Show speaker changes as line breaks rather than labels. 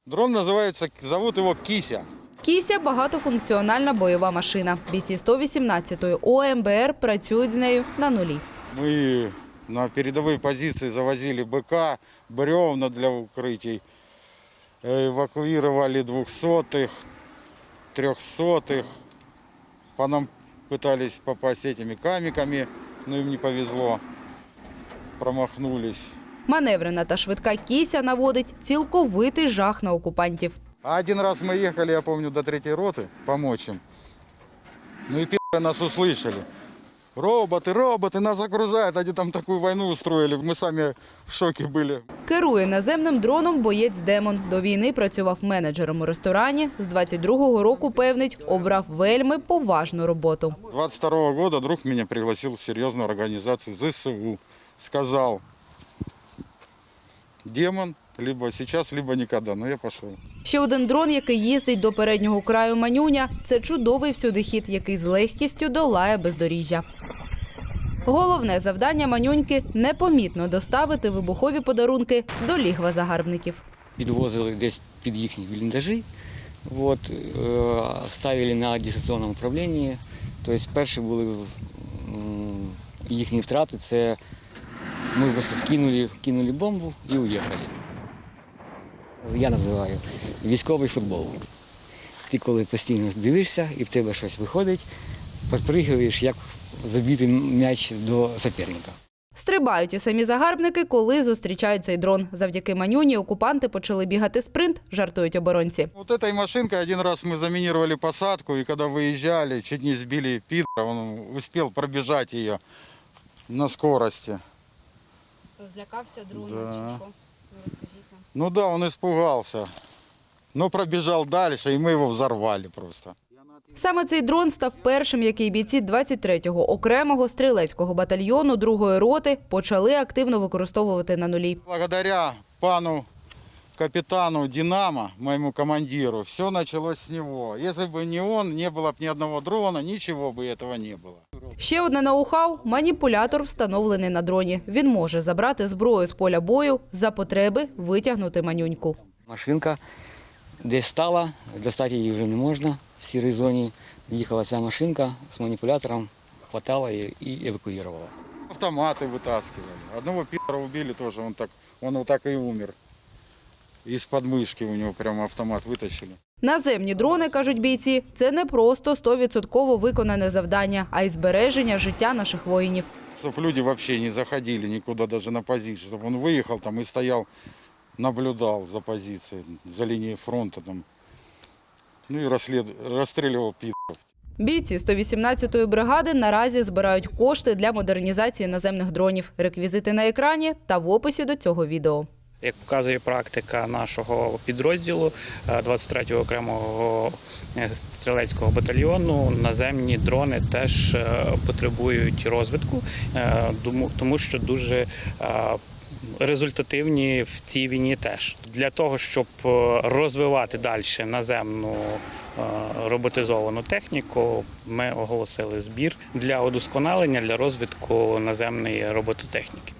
Дрон називається, зовут його Кися.
Кіся – багатофункціональна бойова машина. Бійці 118-ї ОМБР працюють з нею на нулі.
Ми на передовій позиції завозили БК, бревна для укриттів, евакуювали 200-х, 300-х. По нам пытались попасть этими камиками, но им не повезло, промахнулись.
Маневрена та швидка Кіся наводить цілковитий жах на окупантів.
А один раз мы ехали, я помню, до 3-й роты помочь им. Ну и пи***ы нас услышали. Роботы, нас окружают. Они там такую войну устроили. Мы сами в шоке были.
Керує наземним дроном боєць Демон. До війни працював менеджером у ресторані. З 22-го року, певнить, обрав вельми поважну роботу.
22-го года друг меня пригласил в серьезную организацию ЗСУ. Сказал, Демон, либо сейчас, либо никогда. Но я пошел.
Ще один дрон, який їздить до переднього краю Манюня – це чудовий всюдихід, який з легкістю долає бездоріжжя. Головне завдання Манюньки – непомітно доставити вибухові подарунки до лігва загарбників.
Підвозили десь під їхні бліндажі, ставили на дистанційному управлінні. Тобто перші були їхні втрати – це ми просто кинули бомбу і уїхали. Я називаю військовий футбол. Ти коли постійно дивишся і в тебе щось виходить, підпригуєш, як забити м'яч до суперника.
Стрибають і самі загарбники, коли зустрічають цей дрон. Завдяки Манюні окупанти почали бігати спринт, жартують оборонці.
Вот этой машинкой один раз мы заминировали посадку, и когда выезжали, чуть не сбили пидора, он успел пробежать ее на скорости.
Злякався дрон,
Да.
чи що? Розкажіть нам.
Ну да, он испугался, но пробежал дальше, и мы его взорвали просто.
Саме цей дрон став першим, який бійці 23-го окремого стрілецького батальйону 2-ї роти почали активно використовувати на нулі.
Благодаря пану капитану «Динамо», моему командиру, все началось с него. Если бы не он, не было бы ни одного дрона, ничего бы этого не было.
Ще одне ноу-хау – маніпулятор встановлений на дроні. Він може забрати зброю з поля бою, за потреби витягнути Манюньку.
Машинка десь стала, достати її вже не можна. В сірій зоні їхала ця машинка з маніпулятором, хватала і евакуювала.
Автоматы вытаскивали. Одного пидора убили тоже, он вот так и умер. Из подмышки у него прямо автомат вытащили.
Наземні дрони, кажуть бійці, це не просто 100% виконане завдання, а й збереження життя наших воїнів.
Чтобы люди вообще не заходили никуда даже на позицию. Чтобы он выехал там и стоял, наблюдал за позицией, за линией фронта там. Ну и расстреливал пидоров.
Бійці 118-ї бригади наразі збирають кошти для модернізації наземних дронів. Реквізити на екрані та в описі до цього відео.
Як показує практика нашого підрозділу 23-го окремого стрілецького батальйону, наземні дрони теж потребують розвитку, тому що дуже результативні в цій війні теж. Для того, щоб розвивати далі наземну роботизовану техніку, ми оголосили збір для удосконалення, для розвитку наземної робототехніки.